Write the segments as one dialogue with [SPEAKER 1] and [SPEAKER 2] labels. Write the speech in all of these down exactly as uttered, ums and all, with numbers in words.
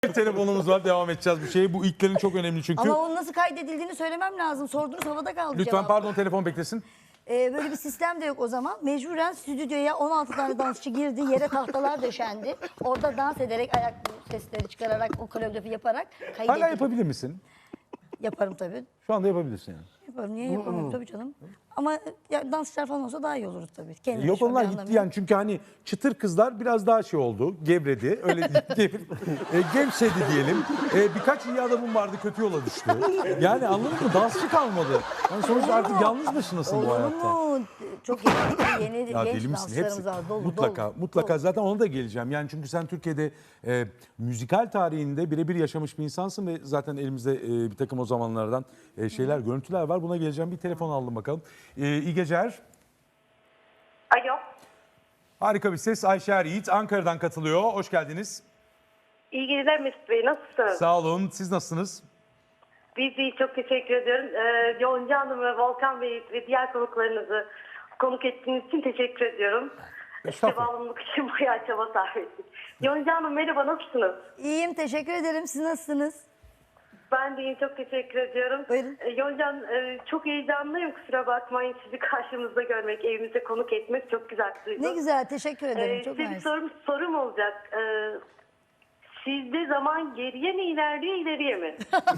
[SPEAKER 1] Bir telefonumuz var, devam edeceğiz bu şeyi. Bu ilklerin çok önemli çünkü.
[SPEAKER 2] Ama onun nasıl kaydedildiğini söylemem lazım. Sordunuz, havada kaldı
[SPEAKER 1] Lütfen
[SPEAKER 2] cevap.
[SPEAKER 1] pardon, telefon beklesin.
[SPEAKER 2] Ee, böyle bir sistem de yok o zaman. Mecburen stüdyoya on altı tane dansçı girdi. Yere tahtalar döşendi. Orada dans ederek, ayak sesleri çıkararak, o koreografi yaparak kaydedildi.
[SPEAKER 1] Hala yapabilir misin?
[SPEAKER 2] Yaparım tabii.
[SPEAKER 1] Şu anda yapabilirsin yani.
[SPEAKER 2] Yaparım. Niye yapamıyorum tabii canım. Ama ya, dansçılar falan olsa daha iyi olur tabii. Kendim
[SPEAKER 1] Yok, onlar
[SPEAKER 2] şöyle
[SPEAKER 1] gitti yani çünkü hani çıtır kızlar biraz daha şey oldu, gevredi, öyle gevr, e, gevşedi diyelim. E, birkaç iyi adamım vardı, kötü yola düştü. Yani anladın mı? Dansçı kalmadı. Yani sonuçta artık yalnız başınasın bu
[SPEAKER 2] Olur
[SPEAKER 1] hayatta.
[SPEAKER 2] mu? Çok yetenekli, yeni
[SPEAKER 1] Ya
[SPEAKER 2] genç
[SPEAKER 1] deli misin? Hepsi
[SPEAKER 2] dansçılarımız var. Dolu,
[SPEAKER 1] mutlaka
[SPEAKER 2] dolu,
[SPEAKER 1] mutlaka
[SPEAKER 2] dolu.
[SPEAKER 1] zaten ona da geleceğim. Yani çünkü sen Türkiye'de e, müzikal tarihinde birebir yaşamış bir insansın ve zaten elimizde e, bir takım o zamanlardan e, şeyler, görüntüler var. Buna geleceğim. Bir telefon aldım bakalım. E, iyi geceler.
[SPEAKER 3] Alo.
[SPEAKER 1] Harika bir ses. Ayşe Er Yiğit Ankara'dan katılıyor. Hoş geldiniz.
[SPEAKER 3] İyi geceler Mesut Bey. Nasılsınız?
[SPEAKER 1] Sağ olun. Siz nasılsınız?
[SPEAKER 3] Biz iyi. Çok teşekkür ediyorum. Ee, Yonca Hanım ve Volkan Bey ve diğer konuklarınızı konuk ettiğiniz için teşekkür ediyorum. İşte
[SPEAKER 1] Estağfurullah.
[SPEAKER 3] bağımlılık için bayağı çaba sarf ettik. Yonca Hanım merhaba, nasılsınız?
[SPEAKER 2] İyiyim, teşekkür ederim. Siz nasılsınız?
[SPEAKER 3] Ben de iyiyim. Çok teşekkür ediyorum.
[SPEAKER 2] Buyurun.
[SPEAKER 3] Ee, Yonca Hanım, e, çok heyecanlıyım. Kusura bakmayın. Sizi karşımızda görmek, evimize konuk etmek çok güzel bir duygu.
[SPEAKER 2] Ne güzel, teşekkür ederim.
[SPEAKER 3] Ee,
[SPEAKER 2] Çok
[SPEAKER 3] size bir
[SPEAKER 2] mersi.
[SPEAKER 3] sorum, sorum olacak. Ee, sizde zaman geriye mi ilerliyor, ileriye mi?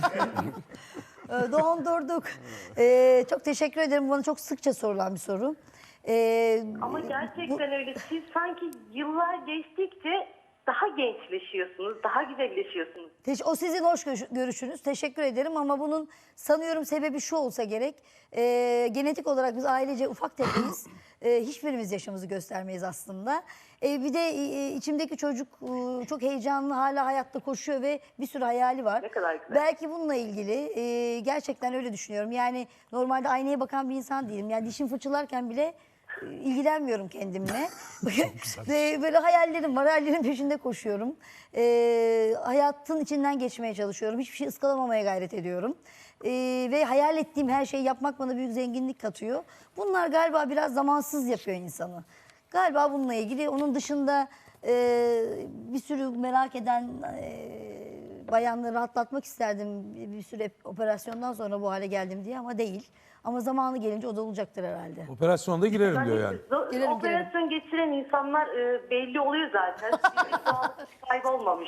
[SPEAKER 2] Ee, Dondurduk. Ee, çok teşekkür ederim. Bana çok sıkça sorulan bir soru. Ee,
[SPEAKER 3] Ama gerçekten öyle. Siz sanki yıllar geçtikçe daha gençleşiyorsunuz, daha güzelleşiyorsunuz.
[SPEAKER 2] Teş- O sizin hoş görüş- görüşünüz. Teşekkür ederim ama bunun sanıyorum sebebi şu olsa gerek. Ee, genetik olarak biz ailece ufak tefeyiz. Ee, hiçbirimiz yaşımızı göstermeyiz aslında. Ee, bir de e, içimdeki çocuk e, çok heyecanlı, hala hayatta koşuyor ve bir sürü hayali var.
[SPEAKER 3] Ne kadar güzel.
[SPEAKER 2] Belki bununla ilgili e, gerçekten öyle düşünüyorum. Yani normalde aynaya bakan bir insan değilim. Yani dişim fırçalarken bile e, ilgilenmiyorum kendimle. Ve böyle hayallerim var, hayallerin peşinde koşuyorum. Ee, hayatın içinden geçmeye çalışıyorum. Hiçbir şey ıskalamamaya gayret ediyorum. Ee, ve hayal ettiğim her şeyi yapmak bana büyük zenginlik katıyor. Bunlar galiba biraz zamansız yapıyor insanı. Galiba bununla ilgili. Onun dışında e, bir sürü merak eden e, bayanları rahatlatmak isterdim. Bir sürü operasyondan sonra bu hale geldim diye ama değil. Ama zamanı gelince o da olacaktır herhalde.
[SPEAKER 1] Operasyonda girerim diyor yani.
[SPEAKER 3] zo-
[SPEAKER 2] Girelim,
[SPEAKER 3] operasyon geçiren insanlar e, belli oluyor zaten. Sizin sağlık kaybolmamış.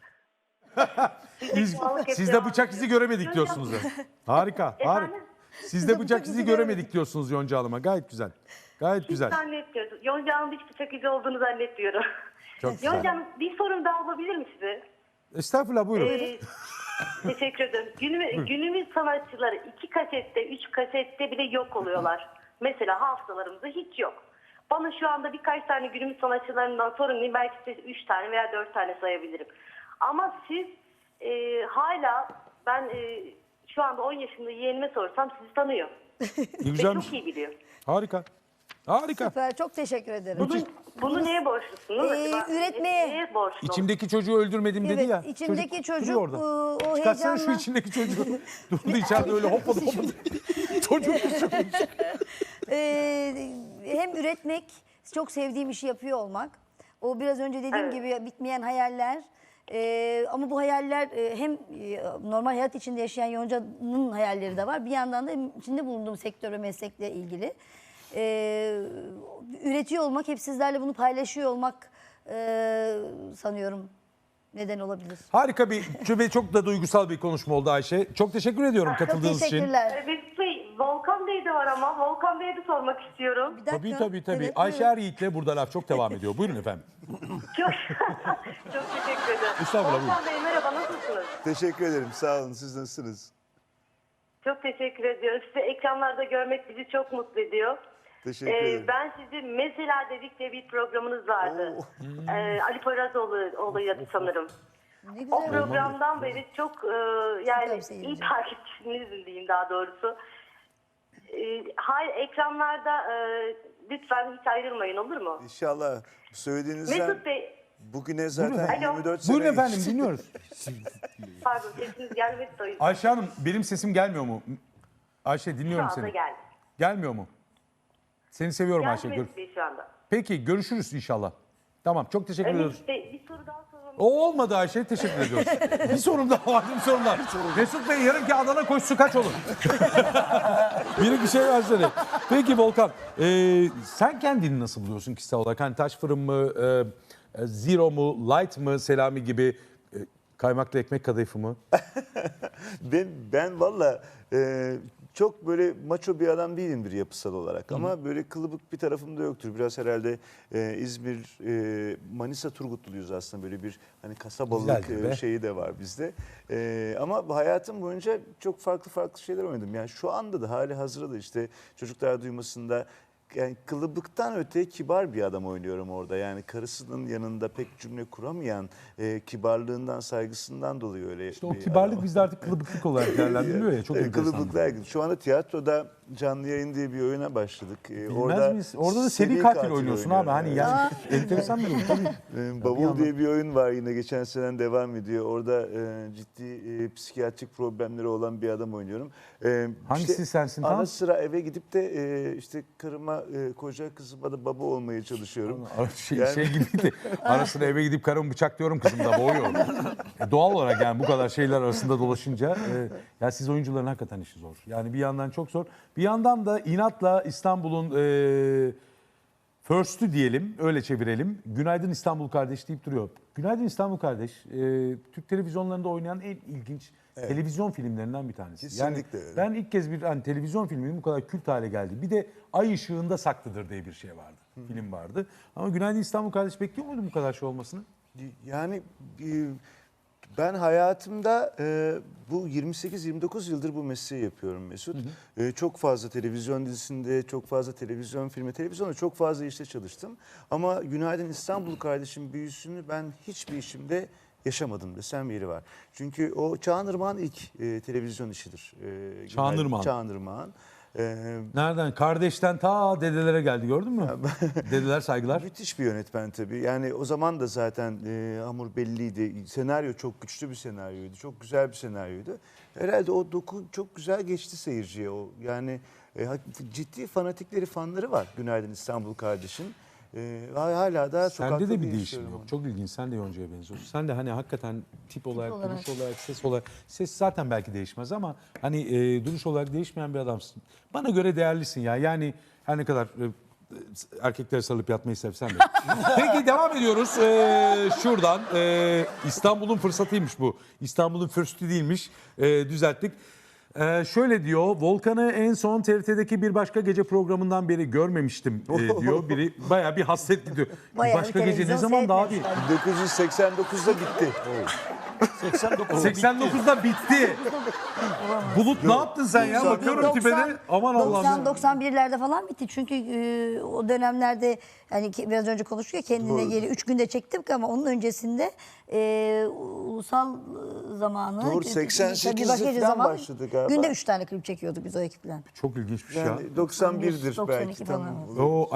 [SPEAKER 1] Biz,
[SPEAKER 3] Sağlık hep
[SPEAKER 1] sizde
[SPEAKER 3] devam
[SPEAKER 1] bıçak
[SPEAKER 3] ediyor.
[SPEAKER 1] izi göremedik diyorsunuz. da. Harika, harika.
[SPEAKER 3] Efendim?
[SPEAKER 1] Sizde bıçak izi göremedik diyorsunuz Yonca Hanım'a. Gayet güzel. Gayet
[SPEAKER 3] Hiç
[SPEAKER 1] güzel.
[SPEAKER 3] zannetmiyorum. Yonca Hanım'da hiç bıçak izi olduğunu zannetmiyorum.
[SPEAKER 1] Çok güzel.
[SPEAKER 3] Yonca Hanım, bir sorum daha olabilir mi size?
[SPEAKER 1] Estağfurullah, buyurun.
[SPEAKER 3] Ee, teşekkür ederim. Günümüz, günümüz sanatçıları iki kasette, üç kasette bile yok oluyorlar. Mesela hafızalarımızda hiç yok. Bana şu anda birkaç tane günümüz sanatçılarından sorun, belki size üç tane veya dört tane sayabilirim. Ama siz e, hala, ben e, şu anda on yaşında yeğenime sorsam sizi tanıyor.
[SPEAKER 1] Ne
[SPEAKER 3] Ve
[SPEAKER 1] güzelmiş.
[SPEAKER 3] çok iyi biliyor.
[SPEAKER 1] Harika. Harika.
[SPEAKER 2] Süper, çok teşekkür ederim.
[SPEAKER 3] Bunu, bunu neye borçlusunuz?
[SPEAKER 2] Ee,
[SPEAKER 3] acaba?
[SPEAKER 2] üretmeye.
[SPEAKER 3] Neye borçlu?
[SPEAKER 1] İçimdeki çocuğu öldürmedim dedi
[SPEAKER 2] Evet,
[SPEAKER 1] ya.
[SPEAKER 2] içimdeki çocuk,
[SPEAKER 1] duruyor orada.
[SPEAKER 2] e, o
[SPEAKER 1] Çıkarsana şu
[SPEAKER 2] heyecanla-
[SPEAKER 1] içindeki çocuğu. Durdu içeride öyle hopladı hopladı. Çocuk
[SPEAKER 2] Ee, hem üretmek, çok sevdiğim işi yapıyor olmak. O biraz önce dediğim
[SPEAKER 3] Evet.
[SPEAKER 2] gibi bitmeyen hayaller. Ee, ama bu hayaller e, hem e, normal hayat içinde yaşayan Yonca'nın hayalleri de var. Bir yandan da içinde bulunduğum sektör ve meslekle ilgili. Ee, üretiyor olmak, hep sizlerle bunu paylaşıyor olmak e, sanıyorum neden olabilir.
[SPEAKER 1] Harika bir ve çok da duygusal bir konuşma oldu Ayşe. Çok teşekkür ediyorum
[SPEAKER 2] Çok
[SPEAKER 1] katıldığınız için.
[SPEAKER 2] teşekkürler.
[SPEAKER 3] Ee, Mesut Bey, Volkan Bey de var ama Volkan Bey'e de sormak istiyorum.
[SPEAKER 2] Bir dakika.
[SPEAKER 1] Tabii tabii tabii.
[SPEAKER 2] Evet,
[SPEAKER 1] Ayşe
[SPEAKER 2] buyurun.
[SPEAKER 1] Er Yiğit'le burada laf çok devam ediyor. Buyurun efendim.
[SPEAKER 3] Çok, çok teşekkür ederim.
[SPEAKER 1] Estağfurullah,
[SPEAKER 3] Volkan Bey merhaba, nasılsınız?
[SPEAKER 4] Teşekkür ederim. Sağ olun. Siz nasılsınız?
[SPEAKER 3] Çok teşekkür ediyorum. Sizi ekranlarda görmek bizi çok mutlu ediyor.
[SPEAKER 4] Teşekkür
[SPEAKER 3] Ee,
[SPEAKER 4] ederim.
[SPEAKER 3] ben sizi Mesela Dedik diye bir programınız vardı.
[SPEAKER 4] Oo.
[SPEAKER 3] Ee, Ali Poyrazoğlu olayı sanırım.
[SPEAKER 2] Ne güzel.
[SPEAKER 3] O programdan beri çok e, yani
[SPEAKER 2] Süper seyirci.
[SPEAKER 3] iyi takipçinizim diyeyim daha doğrusu. E, hayır, ekranlarda e, lütfen hiç ayrılmayın, olur mu?
[SPEAKER 4] İnşallah söylediğinizden
[SPEAKER 3] Mesut Bey,
[SPEAKER 4] bugüne zaten
[SPEAKER 3] Alo.
[SPEAKER 4] yirmi dört sene
[SPEAKER 1] Buyurun efendim,
[SPEAKER 4] geçti.
[SPEAKER 1] dinliyoruz.
[SPEAKER 3] pardon sesiniz gelmedi de o yüzden.
[SPEAKER 1] Ayşe Hanım, benim sesim gelmiyor mu? Ayşe,
[SPEAKER 3] Şu
[SPEAKER 1] dinliyorum
[SPEAKER 3] anda
[SPEAKER 1] seni.
[SPEAKER 3] geldi.
[SPEAKER 1] Gelmiyor mu? Seni seviyorum
[SPEAKER 3] Geldi
[SPEAKER 1] Ayşe. Gör-
[SPEAKER 3] Mesut Bey şu anda.
[SPEAKER 1] Peki, görüşürüz inşallah. Tamam, çok teşekkür
[SPEAKER 3] Ee,
[SPEAKER 1] ediyoruz.
[SPEAKER 3] Mesut Bey, bir soru daha sormam
[SPEAKER 1] O olmadı Ayşe. Teşekkür ediyoruz. Bir sorum daha var. Bir sorum daha. Mesut Bey yarınki Adana koşusu kaç olur? Biri bir şey versene. Peki Volkan. e, sen kendini nasıl buluyorsun kişisel olarak? Hani taş fırın mı? e, zero mu? Light mı? Selami gibi? e, kaymaklı ekmek kadayıfı mı?
[SPEAKER 4] Ben ben valla e, çok böyle maço bir adam değilimdir yapısal olarak ama böyle kılıbık bir tarafım da yoktur. Biraz herhalde e, İzmir, e, Manisa Turgutluyuz aslında, böyle bir hani kasabalık
[SPEAKER 1] Güzeldir be.
[SPEAKER 4] e, şeyi de var bizde. E, ama hayatım boyunca çok farklı farklı şeyler oynadım. Yani şu anda da hali hazırda da işte çocuklar duymasında, yani kılıbıktan öte kibar bir adam oynuyorum orada. Yani karısının yanında pek cümle kuramayan, e, kibarlığından, saygısından dolayı öyle.
[SPEAKER 1] İşte o
[SPEAKER 4] bir
[SPEAKER 1] kibarlık
[SPEAKER 4] adam.
[SPEAKER 1] bizde artık kılıbıklık olarak değerlendiriliyor ya. Çok
[SPEAKER 4] Evet,
[SPEAKER 1] enteresan.
[SPEAKER 4] kılıbıklar gibi. Şu anda tiyatroda canlı yayın diye bir oyuna başladık. Ee,
[SPEAKER 1] Bilmez
[SPEAKER 4] orada
[SPEAKER 1] miyiz? Orada da seri katil, oynuyorsun abi. Hani
[SPEAKER 4] oynuyorum.
[SPEAKER 1] yani enteresan bir durum tabii.
[SPEAKER 4] Ee,
[SPEAKER 1] bir
[SPEAKER 4] Bavul
[SPEAKER 1] yandan-
[SPEAKER 4] diye bir oyun var, yine geçen seneden devam ediyor. Orada e, ciddi e, psikiyatrik problemleri olan bir adam oynuyorum. Ee,
[SPEAKER 1] Hangisi sensin
[SPEAKER 4] Ara
[SPEAKER 1] tam?
[SPEAKER 4] sıra eve gidip de e, işte karıma, e, koca kızıma da baba olmaya çalışıyorum.
[SPEAKER 1] Şey,
[SPEAKER 4] Yani-
[SPEAKER 1] şey gibiydi. Ara sıra eve gidip karımı bıçaklıyorum, kızım da boğuyor. E, doğal olarak yani bu kadar şeyler arasında dolaşınca e, ya siz oyuncuların hakikaten işi zor. Yani bir yandan çok zor. Bir yandan da inatla İstanbul'un e, first'ü diyelim, öyle çevirelim. Günaydın İstanbul kardeş deyip duruyor. Günaydın İstanbul kardeş, e, Türk televizyonlarında oynayan en ilginç televizyon filmlerinden bir tanesi.
[SPEAKER 4] Kesinlikle
[SPEAKER 1] yani
[SPEAKER 4] öyle.
[SPEAKER 1] ben ilk kez bir hani, televizyon filminin bu kadar kült hale geldi. Bir de Ay Işığında Saklıdır diye bir şey vardı. Film vardı. Ama Günaydın İstanbul kardeş bekliyor muydun bu kadar şey olmasını?
[SPEAKER 4] Yani e, ben hayatımda e, bu yirmi sekiz yirmi dokuz yıldır bu mesleği yapıyorum Mesut. E, çok fazla televizyon dizisinde, çok fazla televizyon filmi, televizyonda çok fazla işte çalıştım. Ama Günaydın İstanbul kardeşim büyüsünü ben hiçbir işimde yaşamadım desem yeri var. Çünkü o Çağınırmağın ilk e, televizyon işidir. E, Günaydın
[SPEAKER 1] Çağınırmağın.
[SPEAKER 4] Çağınırmağın. E,
[SPEAKER 1] Nereden? Kardeşten ta dedelere geldi, gördün mü? Dedeler saygılar.
[SPEAKER 4] Müthiş bir yönetmen tabii. Yani o zaman da zaten e, hamur belliydi. Senaryo çok güçlü bir senaryoydu. Çok güzel bir senaryoydu. Herhalde o doku çok güzel geçti seyirciye. O yani e, ha- ciddi fanatikleri, fanları var Günaydın İstanbul kardeşim. E, hala da sokakta
[SPEAKER 1] Sende de bir
[SPEAKER 4] değişiyorum
[SPEAKER 1] değişim yok.
[SPEAKER 4] onu.
[SPEAKER 1] Çok ilginç. Sen de Yonca'ya benziyorsun. Sen de hani hakikaten tip olarak,
[SPEAKER 2] olarak.
[SPEAKER 1] duruş olarak, ses olarak. Ses zaten belki değişmez ama hani e, duruş olarak değişmeyen bir adamsın. Bana göre değerlisin ya. Yani her ne kadar e, erkekler sarılıp yatmayı sevsen de. Peki devam ediyoruz. E, şuradan e, İstanbul'un fırsatıymış bu. İstanbul'un first'ü değilmiş. E, düzelttik. Ee, şöyle diyor, Volkan'ı en son T R T'deki bir başka gece programından beri görmemiştim e, diyor. Biri bayağı bir hasretli diyor. Bir
[SPEAKER 2] Bayağı
[SPEAKER 1] başka
[SPEAKER 2] bir
[SPEAKER 1] gece ne
[SPEAKER 2] televizyon
[SPEAKER 1] zaman daha değil.
[SPEAKER 2] seyretmemiş.
[SPEAKER 4] bin dokuz yüz seksen dokuzda bitti.
[SPEAKER 1] seksen dokuzda bitti. Bulut ne yaptın sen ya? Bakıyorum tipine. Aman Allah'ım.
[SPEAKER 2] doksan doksan birlerde falan bitti. Çünkü e, o dönemlerde hani ki- biraz önce konuştuk ya, kendine geri üç günde çektik ama onun öncesinde e, ulusal e, zamanı.
[SPEAKER 4] Doğru,
[SPEAKER 2] bir
[SPEAKER 4] seksen sekizde
[SPEAKER 2] başka gece
[SPEAKER 4] falan
[SPEAKER 2] zamanı,
[SPEAKER 4] başladı galiba.
[SPEAKER 2] Günde üç tane klip çekiyorduk biz o ekiple.
[SPEAKER 1] Çok ilginçmiş ya.
[SPEAKER 4] Yani doksan birdir
[SPEAKER 2] doksan iki
[SPEAKER 4] belki.
[SPEAKER 2] falan.
[SPEAKER 4] Tam
[SPEAKER 2] oldu.
[SPEAKER 4] olur.
[SPEAKER 1] O